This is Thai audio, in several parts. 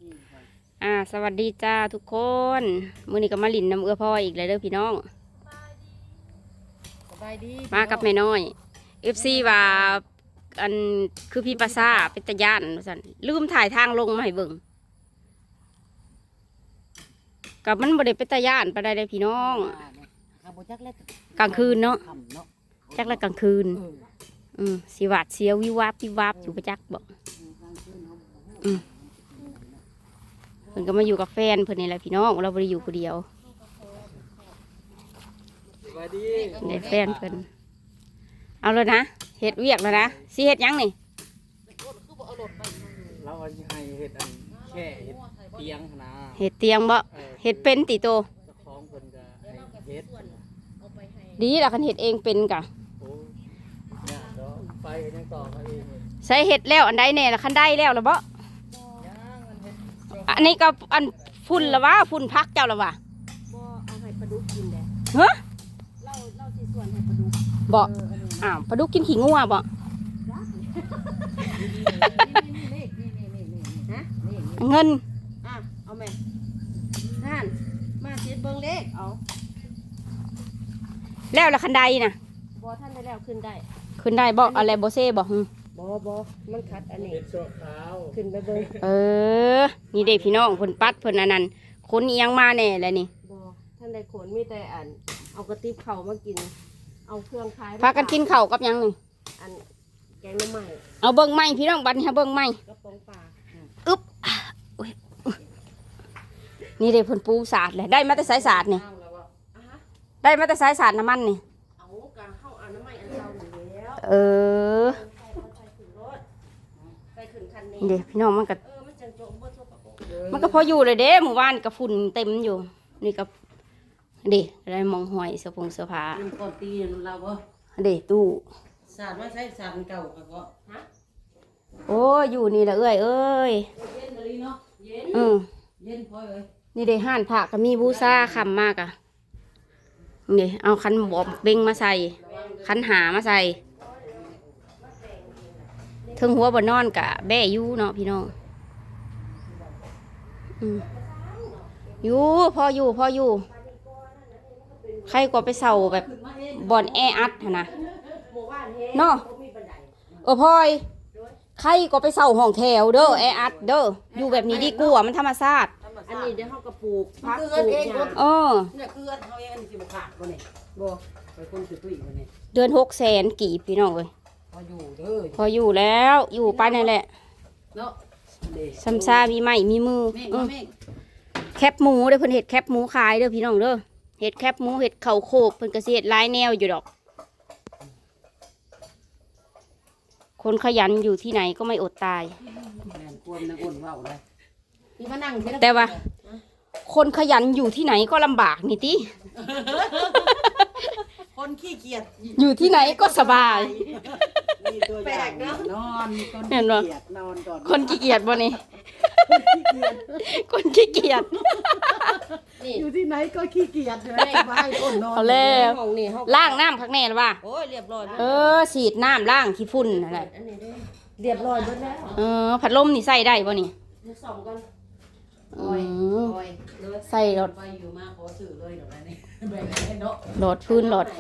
สวัสดีจ้าทุกคนมื้อนี้ก็มาลินน้ำเอื้อพ่ออีกเลยเด้อพี่น้องมากับแม่น้อย FC ว่าอันคือพี่ปาซาเป็นตะย่านสั่นลืมถ่ายทางลงมาให้เบิ่งกับมันบ่ได้เป็นตะย่านปานใดเลยพี่น้องกลางคืนเนาะจักแล้วกลางคืนสิหวาดเสียววิวาบวิวาบอยู่ประจักบอกเพิ่นก็มาอยู่กับแฟนเพิ่นนี่แหละพี่น้องเราบ่ได้อยู่คนเดียวได้แฟนเพิ่นเอาเลยนะเฮ็ดเวียกแล้วนะสิเฮ็ดยังนี่เราให้เฮ็ดอันแค่เฮ็ดเตียงนะเฮ็ดเตียงบ่เฮ็ดเป็นติโตเจ้าของเพิ่นก็ให้เฮ็ดดีล่ะคันเฮ็ดเองเป็นกะโอ้ยากเนาะไฟก็ยังต่อมาเองใส่เฮ็ดแล้วอันใดแน่ล่ะคันได้แล้วล่ะบ่อันนี้ก็อันฝุ่นละวะฝุ่นพักเจ้าละวะบ่เอาให้ปลาดุกกินแหละฮะเราสิส่วนให้ปลาดุกบ่ปลาดุกกินขี้งัวบ่เงินเอาแม่นั่นมาเช็ดเบิ่งเลขเอาแล้วละคันใดน่ะบ่ท่านได้แล้วขึ้นได้บ่อะไรบ่เซ่บ่บ่มันคัดอันนี้เฮ็ดชั่วคราวขึ้นไปเบิ่งนี่เด้พี่น้องเพิ่นปัดเพิ่นอันนั้นคนอีหยังมาแน่แล้วนี่บ่ท่านได้ขนมีแต่อันเอากระติบข้าวมากินเอาเครื่องคายพากันกินข้าวกับหยังนี่อันแกงหน่อไม้เอาเบิ่งไม้พี่น้องบัดนี้เบิ่งไม้กระป๋องปลาอึ๊บนี่เด้เพิ่นปูสาดเลยได้มาแต่สายสาดนี่ได้มาแต่สายสาดน้ำมันนี่เอากะเข้าเอาน้ำไม้อันเก่าอยู่แล้วเดี๋ยวพี่น้องมันก็พออยู่เลยเด้หมู่บ้านกับฝุ่นเต็มอยู่นี่กับเดี๋ยวอะไรมองหอยเสื้อผงเสื้อผ้าก่อนตีเราบ่เดี๋ยวตู้สาดว่าใช้สาดเก่าก็ฮะโอ้อยู่นี่แหละเอ้ยเย็นเลยเนาะเย็นพอเลยนี่เดี๋ยวห่านผักก็มีบูซ่าคำมากอ่ะนี่เอาคันบอมเบ่งมาใส่คันหามาใส่ถึงหัวบนนอนกะแบ่ยู่เนาะพี่น้องอยู่พออยู่ใครก็ไปเสาแบบบ่อนแออัดนะเนาะพลอยใครก็ไปเสาห้องแถวเด้อแออัดเด้ออยู่แบบนี้ดีกว่ามันธรรมชาติอันนี้เดี๋ยวเขากระปลูกพักปลูกเนี่ยคือเขาเองอันนี้สิบขาดบ่เนี่ยบ่ไปคนซื้อตุ้ยบ่เนี่ยเดือน600,000กีบพี่น้องเลยพออยู่เด้อพออยู่แล้วอยู่ไปนั่นแหละเนาะซัมซามีไม้มีมือแคบหมูเด้อเพิ่นเห็ดแคบหมูขายเด้อพี่น้องเด้อเห็ดแคบหมูเห็ดเข่าโคบเพิ่นก็สิเฮ็ดหลายแนวอยู่ดอกคนขยันอยู่ที่ไหนก็ไม่อดตายแต่ว่าคนขยันอยู่ที่ไหนก็ลำบากนี่ติคนขี้เกียจอยู่ที่ไหนก็สบายแปลกเนาะนอนเห็นบ่คนขี้เกียจบ่นี่คนขี้เกียจอยู่ที่ไหนก็ขี้เกียจเลยไปคนนอนเอาแล้วล้างน้ำข้างในหรือว่าโอ้ยเรียบร้อยฉีดน้ำล้างขี้ฝุ่นอะไรเรียบร้อยหมดแล้วพัดลมนี่ใส่ได้บ่นี่ส่องกันใส่หลอดไฟอยู่มาขอสื่อเลยเดี๋ยวนี้หลอดพื้นหลอดไฟ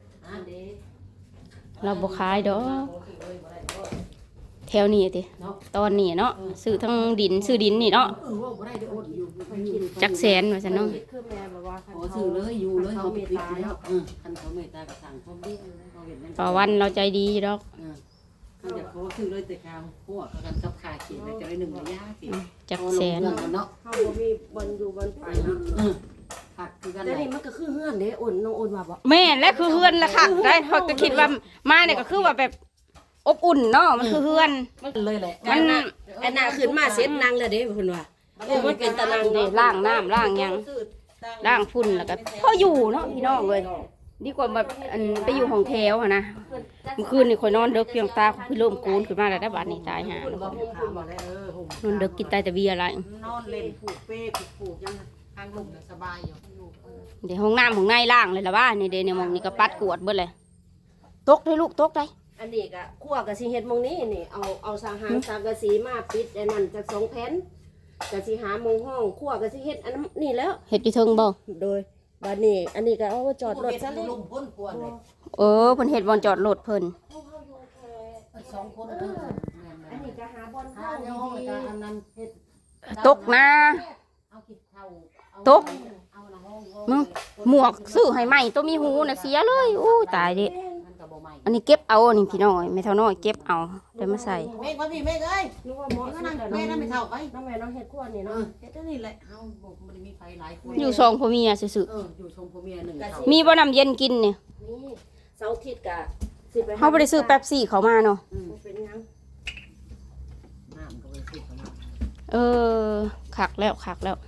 เราบ่ขายดอกแถวนี้ติตอนนี้เนาะซื้อทั้งดินซื้อดินนี่เนาะจักแสนว่าซั่นเนาะขอสื่อเลยอยู่เลยเขาเมตตาแล้วคันเขาเมตตากับสั่งเขาเบี้ยเขาเห็นนั่นต่อวันเราใจดีดอกเขาอยากขอสื่อเลยแต่ข้าวพวกกันกับขาขีดจะได้1ระยะขีดจักแสนเนาะเขาบ่มีบนอยู่บนไปเนาะแต่นี่มันก็คือเฮือนเด้อ่อนน้องอ่อนว่าบ่แม่และคือเฮือนละค่ะได้เขาก็คิดว่ามาเนี่ยก็คือว่าแบบอบอุ่นเนาะมันคือเฮือนเลยแหละมันไอ้น่ะขึ้นมาเซ็ตนางเลยเด้เพิ่นว่ามันเป็นตะนางเด้ล้างน้ำล้างหยังล้างฝุ่นแล้วก็พออยู่เนาะพี่น้องเลยดีกว่าแบบไปอยู่ห้องแถวอะนะเมื่อคืนนี่คอยนอนเด็กเพียงตาคือเริ่มโกนขึ้นมาแล้วได้บาดนี่ตายหานอนเด็กกินแต่เบียร์อะไรนอนเล่นผูกเป้ผูกยังทางลมสบายอยู่เดี๋ยวห้องน้ำของในล่างเลยละว่านี่เดี๋ยวมองนี่ก็ปัดกวดเบิดเลยตกได้ลูกตกได้อันนี้ก็คั่วกับสิเฮ็ดมองนี้นี่เอาสังกะสีมาปิดไอ้นั่นจาก2 แผ่นก็สิหาหมองห้องครัวก็สิเฮ็ดอันนั้นนี่แล้วเฮ็ดอยู่เทิงบ่โดยบัดนี้อันนี้ก็เอาไว้จอดรถซะลูเลยกพ้นกวนเลยเออเพิ่นเฮ็ดบ่อนจอดรถเพิ่นสองคนอันนี้ก็หาบอลหาเข้าเนาะดีก็อันนั้นเฮ็ดตกนะเอาคิดเข้าตกเอาละห้องมึงหมวกซื้อให้ใหม่ตัวมีหูน่ะเสียเลยอู้ตายดิมันก็บ่ใหม่อันนี้เก็บเอานี่พี่น้อยไม่เท่าน้อยเก็บเอาเดี๋ยวมาใส่เมฆมาพี่เมฆเอ้ยนึกว่าหมอก็นั่นั่นงแหละแม่นั่นไม่เท่าไปน้องแม่น้องเฮ็ดครัวนี่เอเนาะอเฮ็ดนี่แหละเฮาบ่มันมีไฟหลายคนอยู่สองพ่อเมียซื่ออยู่ชมพ่อเมียหนึ่งเท่าๆมีบ่น้ำเย็นกินเนี่ยนี่เสาร์อาทิตย์ก็สิไปเฮาบ่ได้ซื้อแป๊บซี่เขามาเนาะเป็นหยังน้ำก็ไปซื้อเข้ามาเออคักแล้วคักแล้ว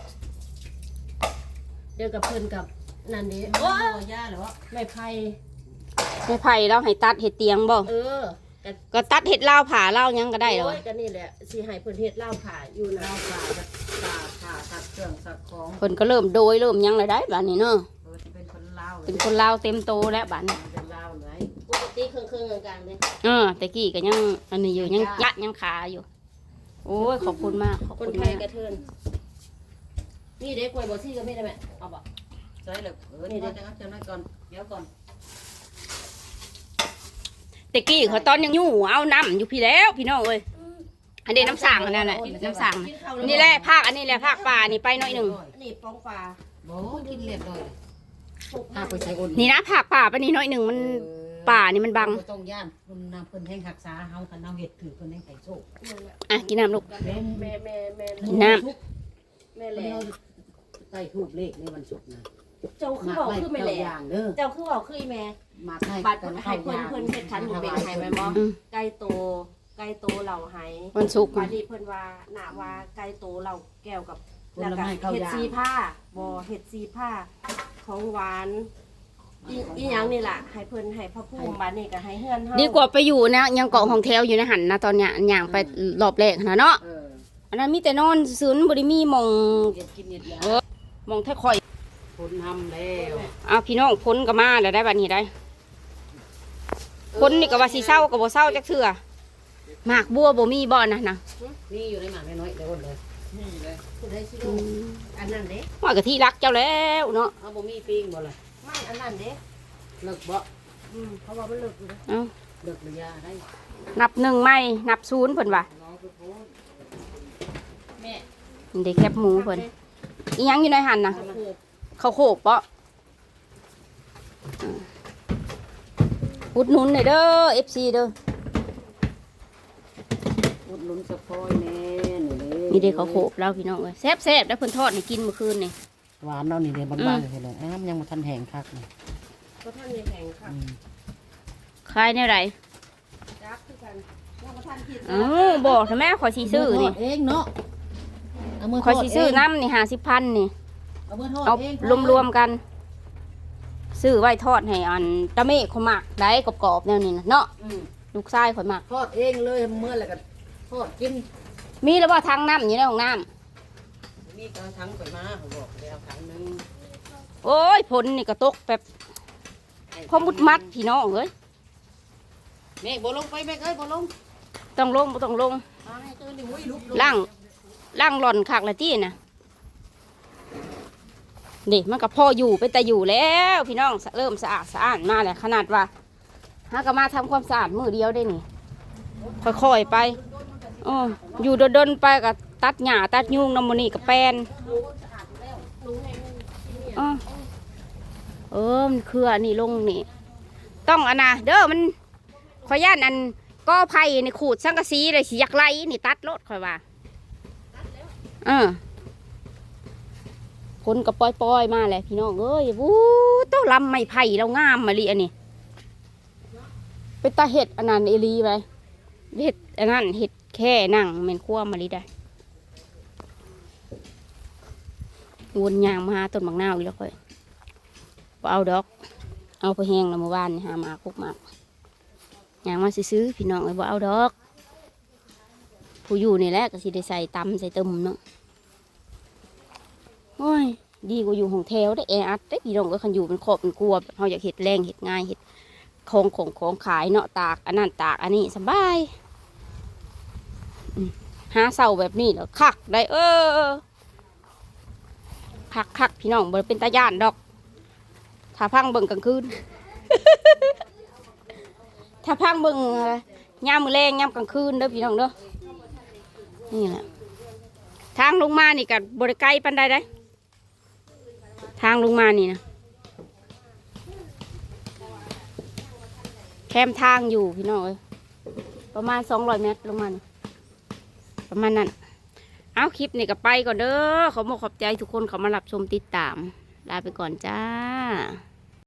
เดี๋ยวกับเพิ่นกับนั่นดิโอ้โอ้ยย่าเหรอไม้ไผ่ไม่ไผ่เราให้ตัดเห็ดเตียงบ่เออก็ตัดเห็ดลาวผ่าลาวหยังก็ได้หรอโอ้ยก็นี่แหละสิให้เพิ่นเฮ็ดเหล้าผ่าอยู่นะเราผ่าตัดเครื่องสักของเพิ่นก็เริ่มโดยเริ่มหยังเลยได้บัดนี้เนาะจะเป็นคนลาวเป็นคนลาวเต็มโตแล้วบัดนี้เป็นลาวเลยปกติเครื่องๆกลางๆเลยแต่กี้ก็ยังอันนี้อยู่ยังยะยังขาอยู่ โอ้ยขอบคุณมากขอบคคุนณไทมาย กกระเทินนี่เด็กกล้วยบ่ซี่ก็ไม่ได้แม่เอาบ่ใช่เลยนี่เดี๋ยวจะน้อยก่อนเดี๋ยวก่อนแต่กี้เขาตอนยังอยู่เอาน้ำอยู่พี่แล้วพี่น้องเอ้ยอันนี้น้ำสั่งอันนั้นแหละน้ำสั่งนี่แหละภาคอันนี้แหละภาคป่านี่ไปหน่อยหนึ่งนี่ปองปลาโอ้กินเรียบร้อยปลูกถ้าไปใช้อุ่นนี่นะภาคป่าไปนี่หน่อยหนึ่งมันป่านี่มันบังต้องย่านคนนำเพิ่นแห่งรักษาเฮาคันเฮาเฮ็ดถือเพิ่นแห่งไก่โชคอ่ะกินน้ำลูกแม่แม่น้แม่แหแล้ล่วใต้ทูบเลขในวันศุกร์นะเจ้าคือบอกคือแม่แหล่อย่างเด้อเจ้าคือบอกคืออีแม่มาให้บัดให้เพิ่นเฮ็ดขันหมูเป็นให้แม่บ่อืมไก่โตไก่โตเหล่าไหวันศุกร์บัดนี้เพิ่นว่าหน้าว่าไก่โตเหล่าแก้วกับแล้วก็เฮ็ดซีผ้าบ่เฮ็ดซีผ้าของหวานอีหยังนี่ล่ะให้เพิ่นให้พระภูมิบัดนี้ก็ให้เฮือนเฮาดีกว่าไปอยู่นะยังเกาะห้องแถวอยู่ในหันนะตอนเนี้ยอย่างไปรอบแรกนะเนาะ อันนั้นมีแต่นอนซื้อบริมีหมองเฮ็ดกินเฮ็ดยาหมองแท้คอยคนทำแล้วเอาพี่น้องพ้นก็มาแล้วได้บัดนี้ได้พ้นนี่ก็ว่าสิเศร้าก็บ่เศร้าจักเทื่อหมากบัวบ่มีบ่นะนะนี่อยู่ในหมาน้อยเดี๋ยวคนเลยนี่เลยผู้ใดสิรู้อันนั้นเด้ว่ากะที่รักเจ้าแล้วเนาะเอาบ่มีปิ้งบ่ล่ะไม่อันนั้นเด้เลิกบ่เพราะว่ามันเลิกอยู่นะเอาเลิกหรือยาได้นับหนึ่งไม่นับศูนย์เพิ่นว่าน้องไปโพสแม่นี่ได้แคบหมูเพิ่นอีหยังอยู่ในหันนะข้าวโพดข้าวโคบเปาะอุดหนุนหน่อยเด้อ FC เด้ออุดหนุนสะพอยแน่นี่มีเด้ข้าวโคบแล้วพี่น้องเอ้ยแซ่บๆแล้วเพิ่นทอดให้กินเมื่อคืนนี่หวานเนาะนี่เด้บางๆเลยเลยอ้ามยังบ่ทันแห้งคักนี่ก็ท่านมีแห่งค่ะขายแนวใดจับคือกันว่าบ่ท่านคิดเอ้าบอกทำไมขอยสิซื้อนี่เองเนาะเอามือขอยสิซื้อน้ำนี่50,000นี่เอามือทอดเอาเองรวมๆกัน ซื้อไว้ทอดให้อันตะเมฆเขาหมักได้กรอบๆแนวนี้นะเนาะอืมลูกชายข่อยหมักทอดเองเลยเมื่อแล้วก็ทอดกินมีแล้วว่าทางน้ำอยู่ในห้องน้มีกระถังไปมาเขาบอกเดี๋ยวถังนึงำโอ้ยผลนี่ก็ตกแบบพอมุดมัดพี่น้องเอ้ยแม่บ่ลงไปแม่เอ้ยบ่ลงต้องลงบ่ต้องลงมาให้เจ้านี่อุ้ยลุกล่างหล่อนคักละจี้นะนี่มันก็พออยู่ไปแต่อยู่แล้วพี่น้องเริ่มสะอาดสะอ้านมาแล้วขนาดว่าหาก็มาทำความสะอาดมือเดียวได้นี่ค่อยๆไปอ๋ออยู่ดนๆไปก็ตัดหญ้าตัดยุงน้ำมันนี่กับแปลนอ๋อมันคืออันนี้ลงนี่ต้องอันนะเด้อมันขอย่านอันก็ไผ่ในขูดสังกะสีเลยสิอยากไล่นี่ตัดรถค่อยว่าคนก็ปล่อยมาแหละพี่น้องเอ้ยวู้ต้ลำไม้ไผ่เรางามมาลีอันนี้เป็นตาเห็ดอันนั้นเอลีไปเห็ดอันนั้นเห็ดแค่นั่งเหม็นขั้วมาลีได้วนยางมาหาต้นมะนาวอีกแล้วค่อยบ่เอาดอกเอาไปแห้งแล้วเมื่อวานนี่หามาคุกมากยางมาซื้อพี่น้องเลยบ่เอาดอกผู้อยู่นี่แหละก็สิได้ใส่ตำใส่ตึมเนาะโอ้ยดีกว่าอยู่ห้องแถวได้แออัดได้พี่น้องก็คันอยู่เป็นครอบเป็นครัวแบบเราอยากเห็ดแรงเห็ดง่ายเห็ดของขายเนาะตากอันนั้นตากอันนี้สบายหาเสาแบบนี้แล้วคักได้คักพี่น้องบ่เป็นตาย่านดอกถ้าพังเบิ่งกลางคืน ถ้าพังเบิ่งยามมื้อแลงยามกลางคืนเด้อพี่น้องเด้อนี่แหละทางลงมานี่ก็บ่ได้ไกลปานใดได้ทางลงมานี่นะแคมทางอยู่พี่น้องเอ้ยประมาณ200 เมตรลงมานี่ประมาณนั้นเอาคลิปนี่ก็ไปก่อนเด้อขอบอกขอบใจทุกคนเขามารับชมติดตามลาไปก่อนจ้า